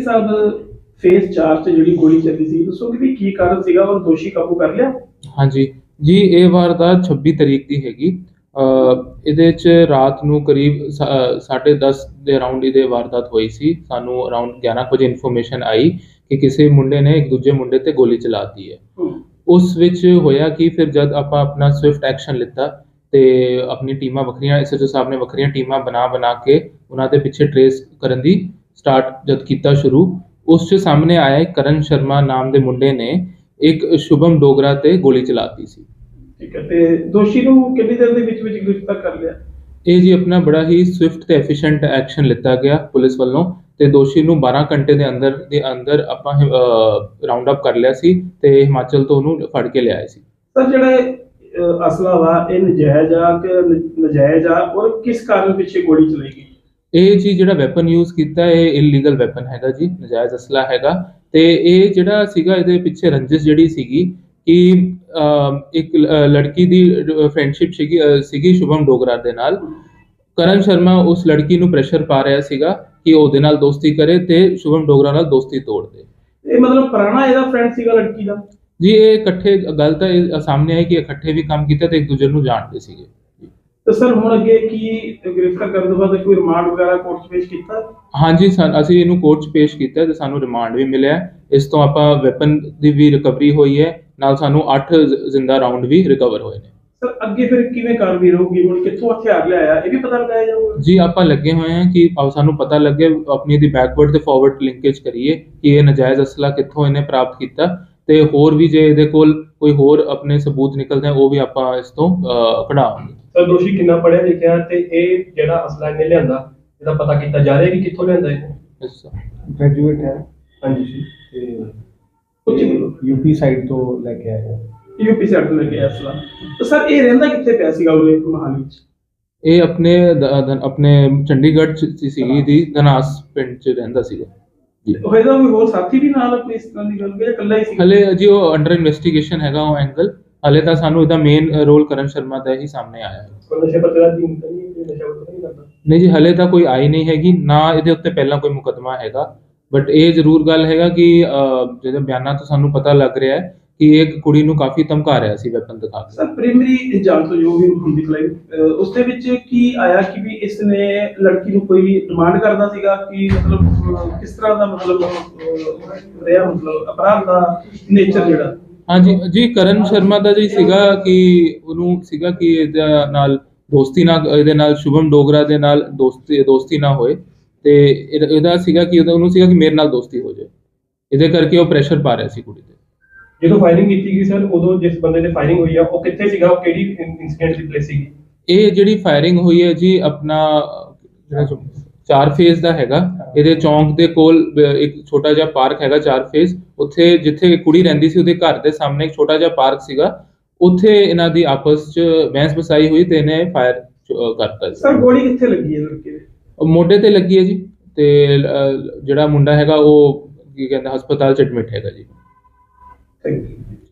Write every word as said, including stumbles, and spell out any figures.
ਸਾਹਿਬ face ਚਾਰ 'ਚ ਜਿਹੜੀ ਗੋਲੀ ਚੱਲੀ ਸੀ, ਦੱਸੋਗੇ ਵੀ ਕੀ ਕਾਰਨ ਸੀਗਾ ਔਰ ਦੋਸ਼ੀ ਕਾਬੂ ਕਰ ਲਿਆ? ਹਾਂਜੀ ਜੀ, ਇਹ ਵਾਰਦਾਤ ਛੱਬੀ ਤਰੀਕ ਦੀ ਹੈਗੀ। ਅ, ਇਹਦੇ 'ਚ ਰਾਤ ਨੂੰ ਕਰੀਬ ਸਾਢੇ ਦਸ ਦੇ ਅਰਾਊਂਡ ਇਹਦੇ ਵਾਰਦਾਤ ਹੋਈ ਸੀ। ਸਾਨੂੰ ਅਰਾਊਂਡ ਗਿਆਰਾਂ ਕੁ ਵਜੇ ਇਨਫੋਰਮੇਸ਼ਨ ਆਈ ਕਿ ਕਿਸੇ ਮੁੰਡੇ ਨੇ ਇੱਕ ਦੂਜੇ ਮੁੰਡੇ ਤੇ ਗੋਲੀ ਚਲਾਤੀ ਹੈ। ਉਸ ਵਿੱਚ ਹੋਇਆ ਕਿ ਫਿਰ ਜਦ ਆਪਾਂ ਆਪਣਾ ਸਵਿਫਟ ਐਕਸ਼ਨ ਲਿੱਤਾ ਤੇ ਆਪਣੀ ਟੀਮਾਂ ਵੱਖਰੀਆਂ, ਐਸਐਚਓ ਸਾਹਿਬ ਨੇ ਵੱਖਰੀਆਂ ਟੀਮਾਂ ਬਣਾ ਬਣਾ ਕੇ ਉਹਨਾਂ ਦੇ ਪਿੱਛੇ ਟਰੇਸ ਕਰਨ ਦੀ ਸਟਾਰਟ ਜਦ ਕੀਤਾ ਸ਼ੁਰੂ, ਉਸ 'ਚ ਸਾਹਮਣੇ ਆਇਆ ਕਰਨ ਸ਼ਰਮਾ ਨਾਮ ਦੇ ਮੁੰਡੇ ਨੇ ਇੱਕ ਸ਼ੁਭਮ ਡੋਗਰਾ ਤੇ ਗੋਲੀ ਚਲਾਤੀ ਸੀ। ਠੀਕ ਹੈ, ਤੇ ਦੋਸ਼ੀ ਨੂੰ ਕਿੰਨੀ ਦੇਰ ਦੇ ਵਿੱਚ ਵਿੱਚ ਗ੍ਰਿਫਤਾਰ ਕਰ ਲਿਆ? ਇਹ ਜੀ ਆਪਣਾ ਬੜਾ ਹੀ ਸਵਿਫਟ ਤੇ ਐਫੀਸ਼ੀਐਂਟ ਐਕਸ਼ਨ ਲਿੱਤਾ ਗਿਆ ਪੁਲਿਸ ਵੱਲੋਂ ਤੇ ਦੋਸ਼ੀ ਨੂੰ ਬਾਰਾਂ ਘੰਟੇ ਦੇ ਅੰਦਰ ਦੇ ਅੰਦਰ ਆਪਾਂ ਰਾਉਂਡ ਅਪ ਕਰ ਲਿਆ ਸੀ ਤੇ ਹਿਮਾਚਲ ਤੋਂ ਉਹਨੂੰ ਫੜ ਕੇ ਲਿਆਏ ਸੀ। ਸਰ, ਜਿਹੜਾ ਅਸਲਾ ਵਾ ਇਹ ਨਜਾਇਜ਼ ਆ ਕਿ ਨਜਾਇਜ਼ ਆ ਔਰ ਕਿਸ ਕਾਰਨ ਪਿੱਛੇ ਗੋਲੀ ਚਲਾਈ ਗਈ? ਇਹ ਜੀ ਜਿਹੜਾ ਵੈਪਨ ਯੂਜ਼ ਕੀਤਾ ਇਹ ਇਲੀਗਲ ਵੈਪਨ ਹੈਗਾ ਜੀ, ਨਜਾਇਜ਼ ਅਸਲਾ ਹੈਗਾ। ਤੇ ਇਹ ਜਿਹੜਾ ਸੀਗਾ ਇਹਦੇ ਪਿੱਛੇ ਰੰਜਿਸ਼ ਜਿਹੜੀ ਸੀਗੀ ਕਿ ਇੱਕ ਲੜਕੀ ਦੀ ਫਰੈਂਡਸ਼ਿਪ ਸੀਗੀ ਸੀਗੀ ਸ਼ੁਭਮ ਡੋਗਰਾ ਦੇ ਨਾਲ। ਕਰਨ ਸ਼ਰਮਾ ਉਸ ਲੜਕੀ ਨੂੰ ਪ੍ਰੈਸ਼ਰ ਪਾ ਰਿਹਾ ਸੀਗਾ ਕਿ ਉਹਦੇ ਨਾਲ ਦੋਸਤੀ ਕਰੇ ਤੇ ਸ਼ੁਭਮ ਡੋਗਰਾ ਨਾਲ ਦੋਸਤੀ ਤੋੜ ਦੇ। ਇਹ ਮਤਲਬ ਪੁਰਾਣਾ ਇਹਦਾ ਫਰੈਂਡ ਸੀਗਾ ਲੜਕੀ ਦਾ? ਜੀ, ਇਹ ਇਕੱਠੇ ਗੱਲ ਤਾਂ ਇਹ ਸਾਹਮਣੇ ਆਈ ਕਿ ਇਕੱਠੇ ਵੀ ਕੰਮ ਕੀਤਾ ਤੇ ਇੱਕ ਦੂਜੇ ਨੂੰ ਜਾਣਦੇ ਸੀਗੇ। ਤੇ ਸਰ, ਹੁਣ ਅੱਗੇ ਕੀ ਗ੍ਰਿਫਤਾਰ ਕਰਨ ਤੋਂ ਬਾਅਦ ਕੋਈ ਰਿਮਾਂਡ ਵਗੈਰਾ ਕੋਰਟ 'ਚ ਪੇਸ਼ ਕੀਤਾ? ਹਾਂਜੀ, ਅਸੀਂ ਇਹਨੂੰ ਕੋਰਟ 'ਚ ਪੇਸ਼ ਕੀਤਾ ਤੇ ਸਾਨੂੰ ਰਿਮਾਂਡ ਵੀ ਮਿਲਿਆ। ਇਸ ਤੋਂ ਆਪਾਂ ਵੈਪਨ ਦੀ ਵੀ ਰਿਕਵਰੀ ਹੋਈ ਹੈ, ਨਾਲ ਸਾਨੂੰ ਅੱਠ ਜ਼ਿੰਦਾ ਰਾਉਂਡ ਵੀ ਰਿਕਵਰ ਹੋਏ ਨੇ। ਸਰ, ਅੱਗੇ ਫਿਰ ਕਿਵੇਂ ਕਾਰਵਾਈ ਰਹੂਗੀ? ਹੁਣ ਕਿੱਥੋਂ ਹਥਿਆਰ ਲਿਆਇਆ ਇਹ ਵੀ ਪਤਾ ਲਗਾਇਆ ਜਾਊਗਾ? ਜੀ, ਆਪਾਂ ਲੱਗੇ ਹੋਏ ਹਾਂ ਕਿ ਸਾਨੂੰ ਪਤਾ ਲੱਗੇ, ਆਪਣੀ ਦੀ ਬੈਕਵਰਡ ਤੇ ਫਾਰਵਰਡ ਲਿੰਕੇਜ ਕਰੀਏ ਕਿ ਇਹ ਨਜਾਇਜ਼ ਅਸਲਾ ਕਿੱਥੋਂ ਇਹਨੇ ਪ੍ਰਾਪਤ ਕੀਤਾ ਤੇ ਹੋਰ ਵੀ ਜੇ ਇਹਦੇ ਕੋਲ ਕੋਈ ਹੋਰ ਆਪਣੇ ਸਬੂਤ ਨਿਕਲਦੇ ਉਹ ਵੀ ਆਪਾਂ ਇਸ ਤੋਂ ਕਢਾਵਾਂਗੇ। ਸਰ, ਦੋਸ਼ੀ ਕਿੰਨਾ ਪੜ੍ਹਿਆ ਲਿਖਿਆ ਤੇ ਇਹ ਜਿਹੜਾ ਅਸਲਾ ਇਹਨੇ ਲਿਆਂਦਾ ਇਹਦਾ ਪਤਾ ਕੀਤਾ ਜਾ ਰਿਹਾ ਕਿ ਕਿੱਥੋਂ ਲਿਆਂਦਾ ਇਹਨੇ? ਗ੍ਰੈਜੂਏਟ ਹੈ। ਹਾਂਜੀ ਜੀ, ਤੇ ਯੂਪੀ ਸਾਈਡ ਤੋਂ ਲੈ ਕੇ ਆਇਆ। ਯੂਪੀ ਸਾਈਡ ਤੋਂ ਲੈ ਕੇ ਆਇਆ ਅਸਲਾ। ਤਾਂ ਸਰ, ਇਹ ਰਹਿੰਦਾ ਕਿੱਥੇ ਪਿਆ ਸੀਗਾ ਉਹਦੇ ਮਹਾਲੀ 'ਚ? ਇਹ ਆਪਣੇ ਆਪਣੇ ਚੰਡੀਗੜ੍ਹ 'ਚ ਸੀਗੀ ਦੀ ਧਨਾਸ ਪਿੰਡ 'ਚ ਰਹਿੰਦਾ ਸੀਗਾ ਜੀ। ਹੋਏਗਾ ਕੋਈ ਹੋਰ ਸਾਥੀ ਵੀ ਨਾਲ ਕੋਈ ਇਸ ਤਰ੍ਹਾਂ ਦੀ ਗੱਲ ਜਾਂ ਇਕੱਲਾ ਹੀ ਸੀ? ਹਲੇ ਜੀ ਉਹ ਅੰਡਰ ਇਨਵੈਸਟੀਗੇਸ਼ਨ ਹੈਗਾ ਉਹ ਐਂਗਲ। ਹਲੇ ਤਾਂ ਸਾਨੂੰ ਇਹਦਾ ਮੇਨ ਰੋਲ ਕਰਨ ਸ਼ਰਮਾ ਦਾ ਹੀ ਸਾਹਮਣੇ ਆਇਆ ਹੈ। ਨਸ਼ੇ ਪੱਤੇ ਦਾ ਨਹੀਂ ਨਸ਼ਾ ਪੱਤਾ ਨਹੀਂ ਕਰਦਾ? ਨਹੀਂ ਜੀ, ਹਲੇ ਤਾਂ ਕੋਈ ਆਈ ਨਹੀਂ ਹੈਗੀ, ਨਾ ਇਹਦੇ ਉੱਤੇ ਪਹਿਲਾਂ ਕੋਈ ਮੁਕੱਦਮਾ ਹੈਗਾ। ਬਟ ਇਹ ਜ਼ਰੂਰ ਗੱਲ ਹੈਗਾ ਕਿ ਜਿਹਦੇ ਬਿਆਨਾਂ ਤੋਂ ਸਾਨੂੰ ਪਤਾ ਲੱਗ ਰਿਹਾ ਹੈ ਕਿ ਇੱਕ ਕੁੜੀ ਨੂੰ ਕਾਫੀ ਧਮਕਾ ਰਿਹਾ ਸੀ ਵੈਪਨ ਦਿਖਾ ਕੇ। ਸਰ, ਪ੍ਰਾਇਮਰੀ ਜਾਂਚ ਤੋਂ ਜੋ ਵੀ ਹੁੰਦੀ ਕਲਾਈ ਉਸ ਦੇ ਵਿੱਚ ਕੀ ਆਇਆ ਕਿ ਵੀ ਇਸ ਨੇ ਲੜਕੀ ਨੂੰ ਕੋਈ ਡਿਮਾਂਡ ਕਰਦਾ ਸੀਗਾ ਕਿ ਮਤਲਬ ਕਿਸ ਤਰ੍ਹਾਂ ਦਾ ਮਤਲਬ ਰਿਹਾ, ਮਤਲਬ ਅਪਰਾਧ ਦਾ ਨੇਚਰ ਜਿਹੜਾ? ਹਾਂਜੀ ਜੀ, ਕਰਨ ਸ਼ਰਮਾ ਦਾ ਜੀ ਸੀਗਾ ਕਿ ਉਹਨੂੰ ਸੀਗਾ ਕਿ ਇਹਦੇ ਨਾਲ ਦੋਸਤੀ ਨਾ ਇਹਦੇ ਨਾਲ ਸ਼ੁਭਮ ਡੋਗਰਾ ਦੇ ਨਾਲ ਦੋਸਤੀ ਦੋਸਤੀ ਨਾ ਹੋਏ ਤੇ ਇਹਦਾ ਸੀਗਾ ਕਿ ਉਹਨੂੰ ਸੀਗਾ ਕਿ ਮੇਰੇ ਨਾਲ ਦੋਸਤੀ ਹੋ ਜਾਏ। ਇਹਦੇ ਕਰਕੇ ਉਹ ਪ੍ਰੈਸ਼ਰ ਪਾ ਰਿਹਾ ਸੀ ਕੁੜੀ ਤੇ। ਜਦੋਂ ਫਾਇਰਿੰਗ ਕੀਤੀ ਗਈ ਸਰ, ਉਦੋਂ ਜਿਸ ਬੰਦੇ ਤੇ ਫਾਇਰਿੰਗ ਹੋਈ ਆ ਉਹ ਕਿੱਥੇ ਸੀਗਾ? ਉਹ ਕਿਹੜੀ ਇਨਸੀਡੈਂਟ ਦੀ ਪਲੇਸ ਸੀਗੀ? ਇਹ ਜਿਹੜੀ ਫਾਇਰਿੰਗ ਹੋਈ ਹੈ ਜੀ ਆਪਣਾ ਜਿਹੜਾ ਚਾਰ ਫੇਜ਼ ਦਾ ਹੈਗਾ। ਇਹਦੇ ਚੌਂਕ ਦੇ ਕੋਲ ਇੱਕ ਛੋਟਾ ਜਿਹਾ ਪਾਰਕ ਹੈਗਾ ਚਾਰ ਫੇਜ਼, ਉੱਥੇ ਜਿੱਥੇ ਕੁੜੀ ਰਹਿੰਦੀ ਸੀ ਉਹਦੇ ਘਰ ਦੇ ਸਾਹਮਣੇ ਇੱਕ ਛੋਟਾ ਜਿਹਾ ਪਾਰਕ ਸੀਗਾ, ਉੱਥੇ ਇਹਨਾਂ ਦੀ ਆਪਸ 'ਚ ਬਹਿਸ ਬਸਾਈ ਹੋਈ ਤੇ ਇਹਨੇ ਫਾਇਰ ਕਰਤਾ। ਸਰ, ਗੋਲੀ ਕਿੱਥੇ ਲੱਗੀ ਹੈ ਲੜਕੇ ਦੇ? ਮੋਢੇ ਤੇ ਲੱਗੀ ਹੈ ਜੀ, ਤੇ ਜਿਹੜਾ ਮੁੰਡਾ ਹੈਗਾ ਉਹ ਕੀ ਕਹਿੰਦਾ ਹਸਪਤਾਲ 'ਚ ਐਡਮਿਟ ਹੈਗਾ ਜੀ। Thank you.